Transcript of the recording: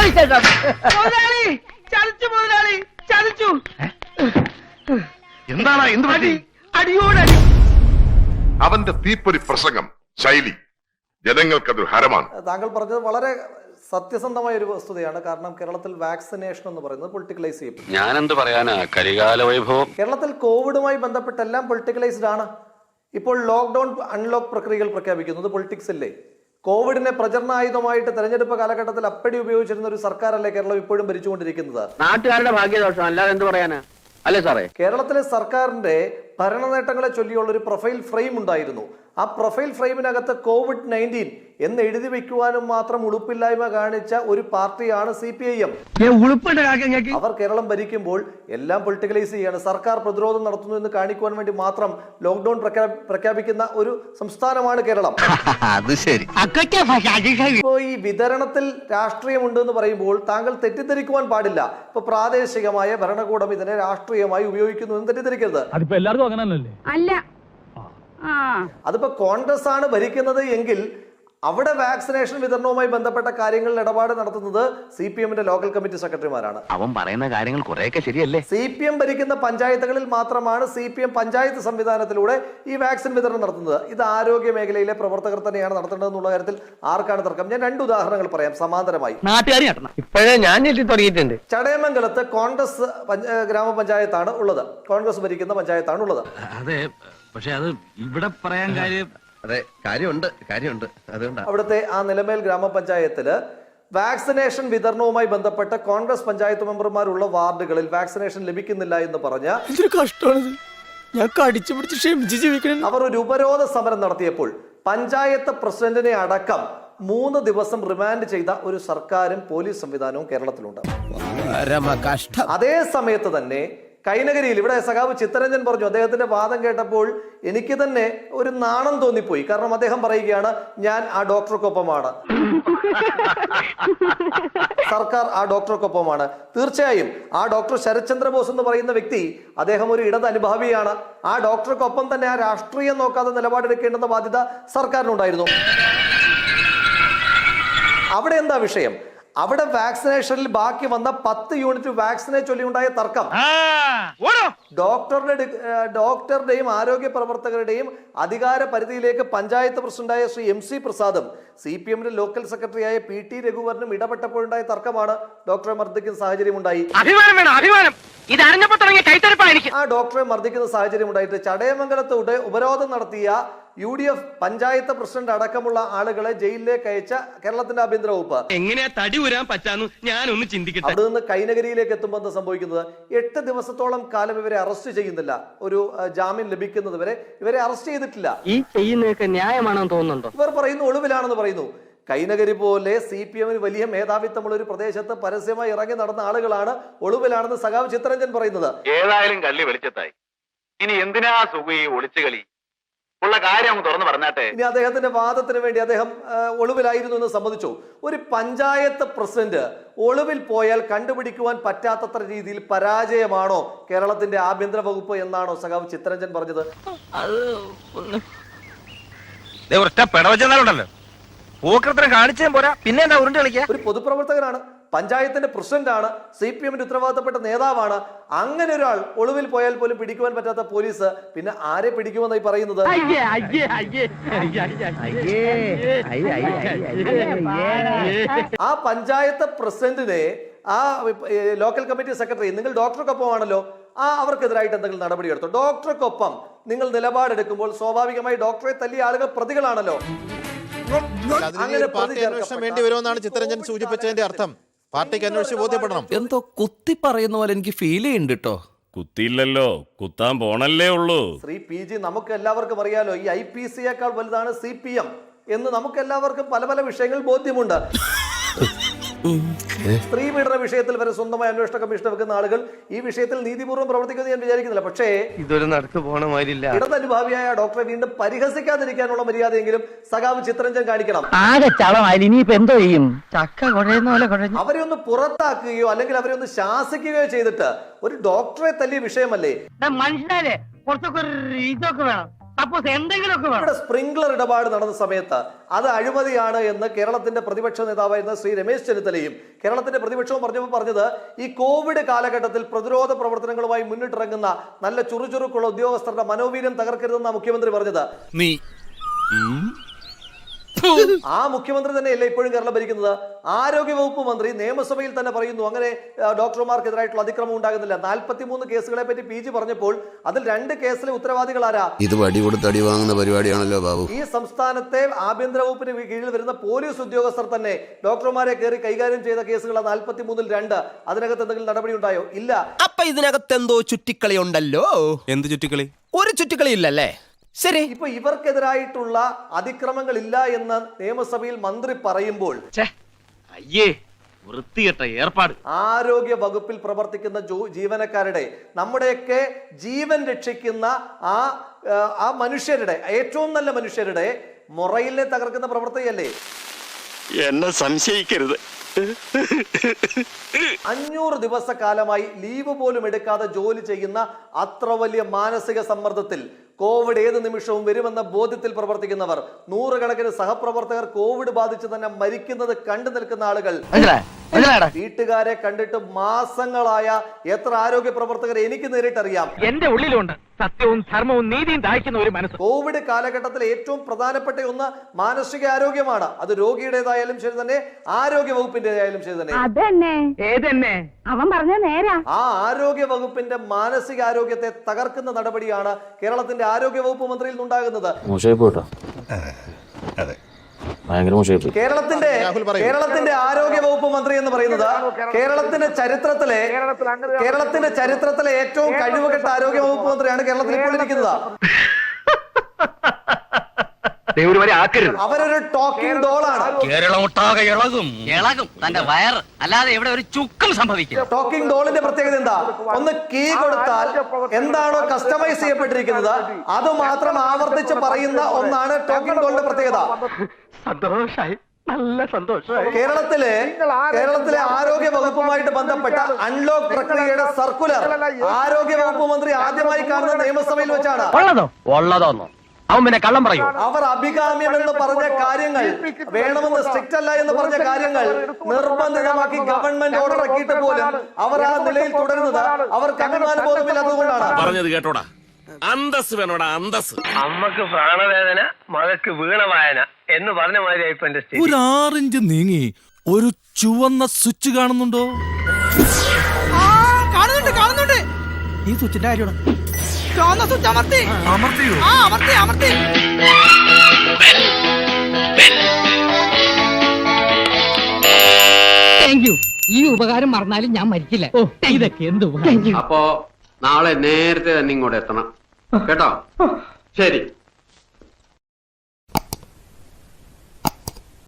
എന്താണ് എന്ത് പറ്റി? അടിയോടടി. അവന്റെ തീപ്പൊരി പ്രസംഗം ശൈലി ജനങ്ങൾക്കതൊരു ഹരമാണ്. താങ്കൾ പറഞ്ഞത് വളരെ സത്യസന്ധമായ ഒരു വസ്തുതയാണ്. കാരണം കേരളത്തിൽ വാക്സിനേഷൻ എന്ന് പറയുന്നത് പൊളിറ്റിക്കലൈസ് ചെയ്യപ്പെട്ടു. ഞാനെന്ത് പറയാനാ, കരികാല വൈഭവം. കേരളത്തിൽ കോവിഡുമായി ബന്ധപ്പെട്ട് എല്ലാം പൊളിറ്റിക്കലൈസ്ഡ് ആണ്. ഇപ്പോൾ ലോക്ക്ഡൌൺ അൺലോക്ക് പ്രക്രിയകൾ പ്രഖ്യാപിക്കുന്നത് പൊളിറ്റിക്സ് അല്ലേ? കോവിഡിനെ പ്രചരണായുധമായിട്ട് തെരഞ്ഞെടുപ്പ് കാലഘട്ടത്തിൽ അപ്പടി ഉപയോഗിച്ചിരുന്ന ഒരു സർക്കാരല്ലേ കേരളം ഇപ്പോഴും ഭരിച്ചുകൊണ്ടിരിക്കുന്നത്? നാട്ടുകാരുടെ ഭാഗ്യദോഷം അല്ലാതെ എന്ത് പറയാനാ, അല്ലേ സാറേ? കേരളത്തിലെ സർക്കാരിന്റെ ഭരണ നേട്ടങ്ങളെ ചൊല്ലിയുള്ള ഒരു പ്രൊഫൈൽ ഫ്രെയിം ഉണ്ടായിരുന്നു. ആ പ്രൊഫൈൽ ഫ്രെയിമിനകത്ത് COVID-19 എന്ന് എഴുതി വെക്കുവാനും മാത്രം ഉളുപ്പില്ലായ്മ കാണിച്ച ഒരു പാർട്ടിയാണ് CPIM. അവർ കേരളം ഭരിക്കുമ്പോൾ എല്ലാം പൊളിറ്റിക്കലൈസ് ചെയ്യാണ്. സർക്കാർ പ്രതിരോധം നടത്തുന്നു എന്ന് കാണിക്കുവാൻ വേണ്ടി മാത്രം ലോക്ക്ഡൌൺ പ്രഖ്യാപിക്കുന്ന ഒരു സംസ്ഥാനമാണ് കേരളം. അത് ശരി. ഇപ്പോ ഈ വിതരണത്തിൽ രാഷ്ട്രീയമുണ്ട് എന്ന് പറയുമ്പോൾ താങ്കൾ തെറ്റിദ്ധരിക്കുവാൻ പാടില്ല. ഇപ്പൊ പ്രാദേശികമായ ഭരണകൂടം ഇതിനെ രാഷ്ട്രീയമായി ഉപയോഗിക്കുന്നു എന്ന് തെറ്റിദ്ധരിക്കരുത്. അതിപ്പോ എല്ലാവർക്കും അങ്ങനെ അല്ല, അതിപ്പോ കോൺഗ്രസ് ആണ് ഭരിക്കുന്നത് എങ്കിൽ അവിടെ വാക്സിനേഷൻ വിതരണവുമായി ബന്ധപ്പെട്ട കാര്യങ്ങളിൽ ഇടപാട് നടത്തുന്നത് CPM-ന്റെ ലോക്കൽ കമ്മിറ്റി സെക്രട്ടറിമാരാണ്. അവൻ പറയുന്ന കാര്യങ്ങൾ കുറെയൊക്കെ ശരിയല്ലേ? CPM ഭരിക്കുന്ന പഞ്ചായത്തുകളിൽ മാത്രമാണ് CPM പഞ്ചായത്ത് സംവിധാനത്തിലൂടെ ഈ വാക്സിൻ വിതരണം നടത്തുന്നത്. ഇത് ആരോഗ്യ മേഖലയിലെ പ്രവർത്തകർ തന്നെയാണ് നടത്തേണ്ടതെന്നുള്ള കാര്യത്തിൽ ആർക്കാണ് തർക്കം? ഞാൻ 2 ഉദാഹരണങ്ങൾ പറയാം സമാന്തരമായി. ഇപ്പോഴേ ഞാൻ തുടങ്ങിയിട്ടുണ്ട്. ചടയമംഗലത്ത് കോൺഗ്രസ് ഗ്രാമപഞ്ചായത്താണ് ഉള്ളത്, കോൺഗ്രസ് ഭരിക്കുന്ന പഞ്ചായത്താണ് ഉള്ളത്. അതെ, പക്ഷെ അത് ഇവിടെ പറയാൻ കാര്യം. അതെ, കാര്യമുണ്ട്. അതുകൊണ്ട് അവിടുത്തെ ആ നിലമേൽ ഗ്രാമപഞ്ചായത്തില് വാക്സിനേഷൻ വിതരണവുമായി ബന്ധപ്പെട്ട് കോൺഗ്രസ് പഞ്ചായത്ത് മെമ്പർമാരുള്ള വാർഡുകളിൽ വാക്സിനേഷൻ ലഭിക്കുന്നില്ല എന്ന് പറഞ്ഞ അവർ ഒരു ഉപരോധ സമരം നടത്തിയപ്പോൾ പഞ്ചായത്ത് പ്രസിഡന്റിനെ അടക്കം 3 ദിവസം റിമാൻഡ് ചെയ്ത ഒരു സർക്കാരും പോലീസ് സംവിധാനവും കേരളത്തിലുണ്ട്. അതേ സമയത്ത് തന്നെ കൈനകരിയിൽ ഇവിടെ സഖാവ് ചിത്തരഞ്ജൻ പറഞ്ഞു, അദ്ദേഹത്തിന്റെ വാദം കേട്ടപ്പോൾ എനിക്ക് തന്നെ ഒരു നാണം തോന്നിപ്പോയി. കാരണം അദ്ദേഹം പറയുകയാണ്, ഞാൻ ആ ഡോക്ടർക്കൊപ്പമാണ്, സർക്കാർ ആ ഡോക്ടർക്കൊപ്പമാണ്. തീർച്ചയായും ആ ഡോക്ടർ ശരത്ചന്ദ്ര ബോസ് എന്ന് പറയുന്ന വ്യക്തി, അദ്ദേഹം ഒരു ഇടത് അനുഭാവിയാണ്. ആ ഡോക്ടർക്കൊപ്പം തന്നെ ആ രാഷ്ട്രീയം നോക്കാതെ നിലപാടെടുക്കേണ്ടുന്ന ബാധ്യത സർക്കാരിനുണ്ടായിരുന്നു. അവിടെ എന്താ വിഷയം? അവിടെ വാക്സിനേഷനിൽ ബാക്കി വന്ന 10 യൂണിറ്റ് വാക്സിനെ ചൊല്ലിയുണ്ടായ തർക്കം ഡോക്ടറുടെയും ആരോഗ്യ പ്രവർത്തകരുടെയും അധികാര പരിധിയിലേക്ക് പഞ്ചായത്ത് പ്രസിഡന്റായ ശ്രീ MC പ്രസാദും CPM-ന്റെ ലോക്കൽ സെക്രട്ടറിയായ PT രഘുവരനും ഇടപെട്ടപ്പോഴുണ്ടായ തർക്കമാണ് ഡോക്ടറെ മർദ്ദിക്കുന്ന സാഹചര്യം ഉണ്ടായി. ആ ഡോക്ടറെ മർദ്ദിക്കുന്ന സാഹചര്യം ഉണ്ടായിട്ട് ചടയമംഗലത്ത് ഉപരോധം നടത്തിയ UDF പഞ്ചായത്ത് പ്രസിഡന്റ് അടക്കമുള്ള ആളുകളെ ജയിലിലേക്ക് അയച്ച കേരളത്തിന്റെ ആഭ്യന്തര വകുപ്പ് എങ്ങനെയാ തടി ഊരാൻ പറ്റാന്ന് ഞാനൊന്ന് ചിന്തിക്കട്ടെ. അവിടെ നിന്ന് കൈനകരിയിലേക്ക് എത്തുമ്പോൾ എന്താ സംഭവിക്കുന്നത്? 8 ദിവസത്തോളം കാലം ഇവരെ അറസ്റ്റ് ചെയ്യുന്നില്ല. ഒരു ജാമ്യം ലഭിക്കുന്നത് വരെ ഇവരെ അറസ്റ്റ് ചെയ്തിട്ടില്ല. ഈ ചെയ്യുന്നതൊക്കെ ന്യായമാണെന്ന് തോന്നുന്നുണ്ടോ? ഇവർ പറയുന്നു ഒളിവിലാണെന്ന് പറയുന്നു. കൈനകരി പോലെ CPM-ന് വലിയ മേധാവിത്വമുള്ള ഒരു പ്രദേശത്ത് പരസ്യമായി ഇറങ്ങി നടന്ന ആളുകളാണ് ഒളിവിലാണെന്ന് സഖാവ് ചിത്തരഞ്ജൻ പറയുന്നത്. ഏതായാലും കള്ളി വെളിച്ചത്തായി. ഇനി എന്തിനാ സുഖി ഒളിച്ചു കളി? ഉള്ള കാര്യം തുറന്നു പറഞ്ഞാട്ടെ. ഇനി അദ്ദേഹത്തിന്റെ വാദത്തിന് വേണ്ടി അദ്ദേഹം ഒളിവിലായിരുന്നു എന്ന് സമ്മതിച്ചു. ഒരു പഞ്ചായത്ത് പ്രസിഡന്റ് ഒളിവിൽ പോയാൽ കണ്ടുപിടിക്കുവാൻ പറ്റാത്തത്ര രീതിയിൽ പരാജയമാണോ കേരളത്തിന്റെ ആഭ്യന്തര വകുപ്പ് എന്നാണോ സഖാവ് ചിത്തരഞ്ജൻ പറഞ്ഞത്? കാണിച്ചേ പോരാ, പിന്നെ എന്താ ഉരുണ്ട് കളിക്കുക? ഒരു പൊതുപ്രവർത്തകനാണ്, പഞ്ചായത്തിന്റെ പ്രസിഡന്റാണ്, CPM-ന്റെ ഉത്തരവാദിത്തപ്പെട്ട നേതാവാണ്. അങ്ങനെ ഒരാൾ ഒളിവിൽ പോയാൽ പോലും പിടിക്കുവാൻ പറ്റാത്ത പോലീസ് പിന്നെ ആരെ പിടിക്കുമെന്നായി പറയുന്നത്? ആ പഞ്ചായത്ത് പ്രസിഡന്റിനെ ആ ലോക്കൽ കമ്മിറ്റി സെക്രട്ടറി, നിങ്ങൾ ഡോക്ടർക്കൊപ്പമാണല്ലോ, അവർക്കെതിരായിട്ട് എന്തെങ്കിലും നടപടി എടുത്തോ? ഡോക്ടർക്കൊപ്പം നിങ്ങൾ നിലപാടെടുക്കുമ്പോൾ സ്വാഭാവികമായി ഡോക്ടറെ തല്ലിയ ആളുകൾ പ്രതികളാണല്ലോ. അങ്ങനെ പാർട്ടി അന്വേഷണം വേണ്ടി വരുമെന്നാണ് ചിത്തരഞ്ജൻ സൂചിപ്പിച്ചതിന്റെ അർത്ഥം. പാർട്ടിക്ക് അന്വേഷിച്ച് ബോധ്യപ്പെടണം. എന്തോ കുത്തി പറയുന്ന പോലെ എനിക്ക് ഫീൽ ചെയ്യുന്നുണ്ട് കേട്ടോ. കുത്തിയില്ലല്ലോ, കുത്താൻ പോണല്ലേ ഉള്ളൂ. ശ്രീ PG, നമുക്ക് എല്ലാവർക്കും അറിയാലോ, ഈ IPC-യേക്കാൾ വലുതാണ് CPM എന്ന് നമുക്ക് എല്ലാവർക്കും പല പല വിഷയങ്ങൾ ബോധ്യമുണ്ട്. സ്ത്രീ പീഡന വിഷയത്തിൽ വരെ സ്വന്തമായി അന്വേഷണ കമ്മീഷൻ വെക്കുന്ന ആളുകൾ ഈ വിഷയത്തിൽ നീതിപൂർവ്വം പ്രവർത്തിക്കുന്നത് ഞാൻ വിചാരിക്കുന്നില്ല. പക്ഷേ ഇതൊരു നടക്ക് പോണ മാതിരില്ല. ഇടതനുഭാവിയായ ഡോക്ടറെ വീണ്ടും പരിഹസിക്കാതിരിക്കാനുള്ള മര്യാദയെങ്കിലും സഖാവ് ചിത്തരഞ്ജൻ കാണിക്കണം. അവരെ ഒന്ന് പുറത്താക്കുകയോ അല്ലെങ്കിൽ അവരെ ഒന്ന് ശാസിക്കുകയോ ചെയ്തിട്ട് ഒരു ഡോക്ടറെ തല്ലിയ വിഷയമല്ലേ? മനുഷ്യരെ കുറച്ചൊക്കെ ഇതൊക്കെ വേണം. ഇവിടെ സ്പ്രിംഗ്ലർ ഇടപാട് നടന്ന സമയത്ത് അത് അഴിമതിയാണ് എന്ന് കേരളത്തിന്റെ പ്രതിപക്ഷ നേതാവായിരുന്ന ശ്രീ രമേശ് ചെന്നിത്തലയും കേരളത്തിന്റെ പ്രതിപക്ഷവും പറഞ്ഞത് ഈ കോവിഡ് കാലഘട്ടത്തിൽ പ്രതിരോധ പ്രവർത്തനങ്ങളുമായി മുന്നിട്ടിറങ്ങുന്ന നല്ല ചുറുചുറുക്കുള്ള ഉദ്യോഗസ്ഥരുടെ മനോവീര്യം തകർക്കരുതെന്നാണ് മുഖ്യമന്ത്രി പറഞ്ഞത്. ആ മുഖ്യമന്ത്രി തന്നെയല്ലേ ഇപ്പോഴും കേരളം ഭരിക്കുന്നത്? ആരോഗ്യവകുപ്പ് മന്ത്രി നിയമസഭയിൽ തന്നെ പറയുന്നു അങ്ങനെ ഡോക്ടർമാർക്കെതിരായിട്ടുള്ള അതിക്രമം ഉണ്ടാകുന്നില്ല. 43 കേസുകളെ പറ്റി PG പറഞ്ഞപ്പോൾ അതിൽ 2 കേസിലെ ഉത്തരവാദികളാരാ? ഇത് വടി കൊടുത്ത് അടി വാങ്ങുന്ന പരിപാടിയാണല്ലോ ബാബു. ഈ സംസ്ഥാനത്തെ ആഭ്യന്തര വകുപ്പിന് കീഴിൽ വരുന്ന പോലീസ് ഉദ്യോഗസ്ഥർ തന്നെ ഡോക്ടർമാരെ കയറി കൈകാര്യം ചെയ്ത കേസുകൾ 43-ൽ 2. അതിനകത്ത് എന്തെങ്കിലും നടപടി ഉണ്ടായോ? ഇല്ല. അപ്പൊ ഇതിനകത്ത് എന്തോ ചുറ്റിക്കളി ഉണ്ടല്ലോ. എന്ത് ചുറ്റിക്കളി? ഒരു ചുറ്റിക്കളി ഇല്ലല്ലേ? ശരി. ഇപ്പൊ ഇവർക്കെതിരായിട്ടുള്ള അതിക്രമങ്ങൾ ഇല്ല എന്ന് നിയമസഭയിൽ മന്ത്രി പറയുമ്പോൾ വൃത്തികെട്ട ഏർപ്പാട്. ആരോഗ്യ വകുപ്പിൽ പ്രവർത്തിക്കുന്ന ജീവനക്കാരുടെ നമ്മുടെയൊക്കെ ജീവൻ രക്ഷിക്കുന്ന ആ മനുഷ്യരുടെ ഏറ്റവും നല്ല മനുഷ്യരുടെ മൊറയിലെ തകർക്കുന്ന പ്രവർത്തകയല്ലേ? എന്നെ സംശയിക്കരുത്. 500 ദിവസക്കാലമായി ലീവ് പോലും എടുക്കാതെ ജോലി ചെയ്യുന്ന അത്ര വലിയ മാനസിക സമ്മർദ്ദത്തിൽ കോവിഡ് ഏത് നിമിഷവും വരുമെന്ന ബോധ്യത്തിൽ പ്രവർത്തിക്കുന്നവർ, 100 കണക്കിന് സഹപ്രവർത്തകർ കോവിഡ് ബാധിച്ച് തന്നെ മരിക്കുന്നത് കണ്ടു നിൽക്കുന്ന ആളുകൾ, വീട്ടുകാരെ കണ്ടിട്ട് മാസങ്ങളായ എത്ര ആരോഗ്യ പ്രവർത്തകർ എനിക്ക് നേരിട്ടറിയാം. എന്റെ ഉള്ളിലുണ്ട് സത്യവും ധർമ്മവും നീതിയും ദാഹിക്കുന്ന ഒരു മനസ്സ്. കോവിഡ് കാലഘട്ടത്തിൽ ഏറ്റവും പ്രധാനപ്പെട്ട ഒന്ന് മാനസിക ആരോഗ്യമാണ്. അത് രോഗിയുടേതായാലും ശരി തന്നെ, ആരോഗ്യ വകുപ്പിന്റേതായാലും ശരി തന്നെ. അവൻ പറഞ്ഞ നേരാ. ആ ആരോഗ്യ വകുപ്പിന്റെ മാനസികാരോഗ്യത്തെ തകർക്കുന്ന നടപടിയാണ് കേരളത്തിന്റെ ആരോഗ്യ വകുപ്പ് മന്ത്രിയിൽ നിന്നുണ്ടാകുന്നത്. കേരളത്തിന്റെ ആരോഗ്യ വകുപ്പ് മന്ത്രി എന്ന് പറയുന്നത് കേരളത്തിന്റെ ചരിത്രത്തിലെ ഏറ്റവും കഴിവുകെട്ട ആരോഗ്യ വകുപ്പ് മന്ത്രിയാണ് കേരളത്തിൽ ഇപ്പോൾ ഇരിക്കുന്നത്. അവരൊരു ടോക്കിംഗ് ഡോളാണ്. തന്റെ വയറ് അല്ലാതെ ഇവിടെ ഒരു ചുക്കും സംഭവിക്കും. ടോക്കിംഗ് ഡോളിന്റെ പ്രത്യേകത എന്താ? ഒന്ന് കീ കൊടുത്താൽ എന്താണോ കസ്റ്റമൈസ് ചെയ്യപ്പെട്ടിരിക്കുന്നത് അത് മാത്രം ആവർത്തിച്ച് പറയുന്ന ഒന്നാണ് ടോക്കിംഗ് ഡോളിന്റെ പ്രത്യേകത. സന്തോഷായി, നല്ല സന്തോഷമായി. കേരളത്തിലെ ആരോഗ്യ വകുപ്പുമായിട്ട് ബന്ധപ്പെട്ട അൺലോക്ക് പ്രക്രിയയുടെ സർക്കുലർ ആരോഗ്യ വകുപ്പ് മന്ത്രി ആദ്യമായി കാണുന്ന നിയമസഭയിൽ വെച്ചാണ്. ഉള്ളതോന്നോ അവൻ പിന്നെ കള്ളം പറയൂ. അവർ അഭികാമ്യം എന്ന് പറഞ്ഞ കാര്യങ്ങൾ, വേണമെന്ന് സ്ട്രിക്റ്റ് അല്ല എന്ന് പറഞ്ഞ കാര്യങ്ങൾ നിർബന്ധിതമാക്കി ഗവൺമെന്റ് ഓർഡർ ഇറക്കിയിട്ട് പോലും അവർ ആ നിലയിൽ തുടരുന്നത് അവർക്ക് അഭിമാന ബോധമില്ലാത്തതുകൊണ്ടാണ്. പറഞ്ഞത് കേട്ടോടാ, അന്തസ് വേണോടാ, അന്തസ്. അമ്മക്ക് പ്രാണവേദന, മകക്ക് വീണവായന എന്ന് പറഞ്ഞ മാതിരിയായിപ്പോ എന്റെ സ്ഥിതി. ഒരു 6 ഇഞ്ച് നീങ്ങി ഒരു ചുവന്ന സ്വിച്ച് കാണുന്നുണ്ടോ? കാണുന്നുണ്ട്. ഈ സ്വിച്ചിന്റെ കാര്യമാണ്. ഈ ഉപകാരം മറന്നാലും ഞാൻ മരിക്കില്ല. ഇതൊക്കെ എന്ത്? അപ്പോ നാളെ നേരത്തെ തന്നെ ഇങ്ങോട്ട് എത്തണം കേട്ടോ. ശരി.